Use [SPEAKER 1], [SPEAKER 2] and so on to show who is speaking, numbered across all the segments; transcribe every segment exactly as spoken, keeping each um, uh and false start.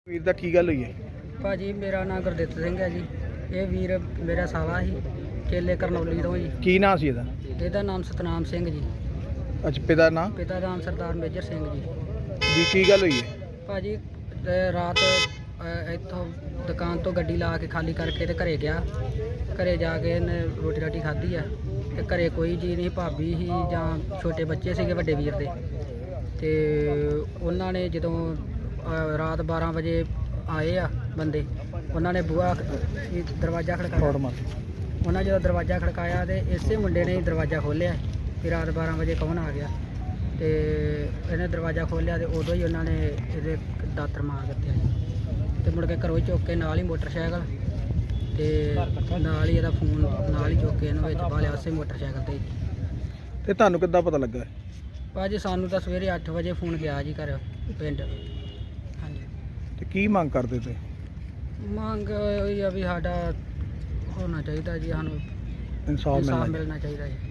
[SPEAKER 1] ਵੀਰ ਦਾ ਕੀ ਗੱਲ ਹੋਈ ਹੈ?
[SPEAKER 2] ਭਾਜੀ ਮੇਰਾ ਨਾਮ ਗੁਰਦਿੱਤ ਸਿੰਘ ਹੈ ਜੀ। ਇਹ ਵੀਰ ਮੇਰਾ ਸਾਲਾ ਸੀ, ਕੇਲੇ ਕਰਨੌਲੀ ਤੋਂ ਜੀ।
[SPEAKER 1] ਕੀ ਨਾਂ ਸੀ ਇਹਦਾ?
[SPEAKER 2] ਇਹਦਾ ਨਾਮ ਸਤਨਾਮ ਸਿੰਘ ਜੀ।
[SPEAKER 1] ਅੱਛਾ, ਪਿਤਾ ਦਾ ਨਾਂ?
[SPEAKER 2] ਪਿਤਾ ਦਾ ਨਾਮ ਸਰਦਾਰ ਮੇਜਰ ਸਿੰਘ ਜੀ।
[SPEAKER 1] ਜੀ ਕੀ ਗੱਲ ਹੋਈ ਹੈ?
[SPEAKER 2] ਭਾਜੀ ਤੇ ਰਾਤ ਅ, ਇੱਥੋਂ ਦੁਕਾਨ ਤੋਂ ਗੱਡੀ ਲਾ ਕੇ ਖਾਲੀ ਕਰਕੇ ਤੇ ਘਰੇ ਗਿਆ। ਘਰੇ ਜਾ ਕੇ ਇਹਨੇ ਰੋਟੀ ਰਾਟੀ ਖਾਧੀ ਆ ਤੇ ਘਰੇ ਕੋਈ ਜੀ ਨਹੀਂ, ਭਾਬੀ ਸੀ ਜਾਂ ਛੋਟੇ ਬੱਚੇ ਸੀਗੇ ਵੱਡੇ ਵੀਰ ਦੇ। ਤੇ ਉਹਨਾਂ ਨੇ ਜਦੋਂ ਅ, ਰਾਤ ਬਾਰਾਂ ਵਜੇ ਆਏ ਆ ਬੰਦੇ, ਉਹਨਾਂ ਨੇ ਬੂਹਾ ਦਰਵਾਜ਼ਾ ਖੜਕਾਇਆ। ਉਹਨਾਂ ਜਦੋਂ ਦਰਵਾਜ਼ਾ ਖੜਕਾਇਆ ਤੇ ਇਸੇ ਮੁੰਡੇ ਨੇ ਦਰਵਾਜ਼ਾ ਖੋਲ੍ਹਿਆ ਕਿ ਰਾਤ ਬਾਰਾਂ ਵਜੇ ਕੌਣ ਆ ਗਿਆ। ਤੇ ਇਹਨੇ ਦਰਵਾਜ਼ਾ ਖੋਲ੍ਹਿਆ ਤੇ ਉਦੋਂ ਹੀ ਉਹਨਾਂ ਨੇ ਇਹਦੇ ਦਾਤਰ ਮਾਰ ਦਿੱਤੇ ਤੇ ਮੁੜ ਕੇ ਘਰੋਂ ਹੀ ਚੁੱਕ ਕੇ ਨਾਲ ਹੀ ਮੋਟਰਸਾਈਕਲ ਤੇ ਨਾਲ ਹੀ ਇਹਦਾ ਫੋਨ ਨਾਲ ਹੀ ਚੁੱਕ ਕੇ ਇਹਨੂੰ ਵਿੱਚ ਪਾ ਲਿਆ ਉਸੇ ਮੋਟਰਸਾਈਕਲ ਤੇ।
[SPEAKER 1] ਤੇ ਤੁਹਾਨੂੰ ਕਿੱਦਾਂ ਪਤਾ ਲੱਗਾ?
[SPEAKER 2] ਭਾਜੀ ਸਾਨੂੰ ਤਾਂ ਸਵੇਰੇ ਅੱਠ ਵਜੇ ਫੋਨ ਗਿਆ ਜੀ ਘਰ ਪਿੰਡ। ਹਾਂਜੀ।
[SPEAKER 1] ਤੇ ਕੀ ਮੰਗ ਕਰਦੇ ਤੇ?
[SPEAKER 2] ਮੰਗ ਇਹ ਆ ਵੀ ਸਾਡਾ ਹੋਣਾ ਚਾਹੀਦਾ ਜੀ, ਸਾਨੂੰ
[SPEAKER 1] ਇਨਸਾਫ
[SPEAKER 2] ਇਨਸਾਫ
[SPEAKER 1] ਮਿਲਣਾ
[SPEAKER 2] ਮਿਲਣਾ ਚਾਹੀਦਾ ਜੀ।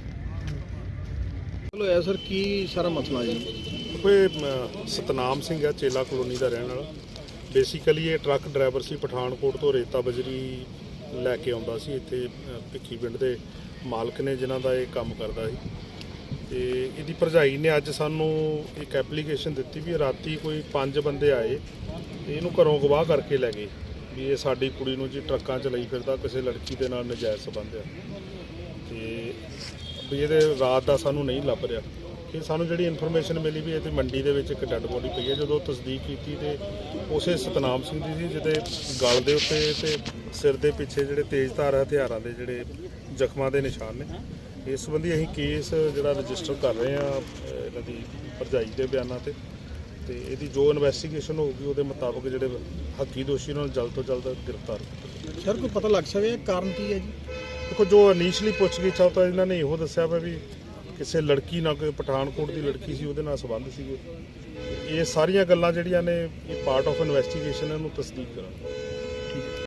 [SPEAKER 1] ਚਲੋ ਐ ਸਰ, ਕੀ ਸਾਰਾ ਮਸਲਾ ਜੀ?
[SPEAKER 3] ਕੋਈ ਸਤਨਾਮ ਸਿੰਘ ਹੈ, ਚੇਲਾ ਕਲੋਨੀ ਦਾ ਰਹਿਣ ਵਾਲਾ। ਬੇਸਿਕਲੀ ਇਹ ਟਰੱਕ ਡਰਾਈਵਰ ਸੀ, ਪਠਾਨਕੋਟ ਤੋਂ ਰੇਤਾ ਬਜਰੀ ਲੈ ਕੇ ਆਉਂਦਾ ਸੀ। ਇੱਥੇ ਅ, ਭਿੱਖੀ ਪਿੰਡ ਦੇ ਮਾਲਕ ਨੇ ਜਿਨ੍ਹਾਂ ਦਾ ਇਹ ਕੰਮ ਕਰਦਾ ਸੀ। ਤੇ ਇਹਦੀ ਭਰਜਾਈ ਨੇ ਅੱਜ ਸਾਨੂੰ ਇੱਕ ਐਪਲੀਕੇਸ਼ਨ ਦਿੱਤੀ ਵੀ ਰਾਤੀ ਕੋਈ ਪੰਜ ਬੰਦੇ ਆਏ ਤੇ ਇਹਨੂੰ ਘਰੋਂ ਗਵਾਹ ਕਰਕੇ ਲੈ ਗਏ ਵੀ ਇਹ ਸਾਡੀ ਕੁੜੀ ਨੂੰ ਜੀ ਟਰੱਕਾਂ 'ਚ ਲਈ ਫਿਰਦਾ, ਕਿਸੇ ਲੜਕੀ ਦੇ ਨਾਲ ਨਜਾਇਜ਼ ਸੰਬੰਧ ਆ। ਤੇ ਵੀ ਇਹਦੇ ਰਾਤ ਦਾ ਸਾਨੂੰ ਨਹੀਂ ਲੱਭ ਰਿਹਾ। ਕਿ ਸਾਨੂੰ ਜਿਹੜੀ ਇਨਫੋਰਮੇਸ਼ਨ ਮਿਲੀ ਵੀ ਇਹਦੀ ਮੰਡੀ ਦੇ ਵਿੱਚ ਇੱਕ ਡੈੱਡ ਬੋਡੀ ਪਈ ਹੈ। ਜਦੋਂ ਤਸਦੀਕ ਕੀਤੀ ਤੇ ਉਸੇ ਸਤਨਾਮ ਸਿੰਘ ਦੀ ਸੀ, ਜਿਹਦੇ ਗਲ ਦੇ ਉੱਤੇ ਤੇ ਸਿਰ ਦੇ ਪਿੱਛੇ ਜਿਹੜੇ ਤੇਜ਼ਧਾਰ ਹਥਿਆਰਾਂ ਦੇ ਜਿਹੜੇ ਜ਼ਖਮਾਂ ਦੇ ਨਿਸ਼ਾਨ ਨੇ। ਇਸ ਸੰਬੰਧੀ ਅਸੀਂ ਕੇਸ ਜਿਹੜਾ ਰਜਿਸਟਰ ਕਰ ਰਹੇ ਹਾਂ ਇਹਨਾਂ ਦੀ ਭਰਜਾਈ ਦੇ ਬਿਆਨਾਂ ਤੇ ਤੇ ਇਹਦੀ ਜੋ ਇਨਵੈਸਟੀਗੇਸ਼ਨ ਹੋਊਗੀ ਉਹਦੇ ਮੁਤਾਬਕ ਜਿਹੜੇ ਹੱਕੀ ਦੋਸ਼ੀ ਉਹਨਾਂ ਨੂੰ ਜਲਦ ਤੋਂ ਜਲਦ ਗ੍ਰਿਫਤਾਰ ਕੀਤਾ।
[SPEAKER 1] ਸਰ ਕੋਈ ਪਤਾ ਲੱਗ ਸਕਿਆ ਕਾਰਨ ਕੀ ਹੈ ਜੀ?
[SPEAKER 3] ਦੇਖੋ, ਜੋ ਇਨੀਸ਼ੀਅਲੀ ਪੁੱਛਗਿੱਛ ਆ ਤਾਂ ਇਹਨਾਂ ਨੇ ਇਹੋ ਦੱਸਿਆ ਵਾ ਵੀ ਕਿਸੇ ਲੜਕੀ ਨਾਲ, ਕੋਈ ਪਠਾਨਕੋਟ ਦੀ ਲੜਕੀ ਸੀ, ਉਹਦੇ ਨਾਲ ਸੰਬੰਧ ਸੀਗੇ। ਇਹ ਸਾਰੀਆਂ ਗੱਲਾਂ ਜਿਹੜੀਆਂ ਨੇ ਇਹ ਪਾਰਟ ਆਫ ਇਨਵੈਸਟੀਗੇਸ਼ਨ, ਇਹਨੂੰ ਤਸਦੀਕ ਕਰਾਂਗੇ।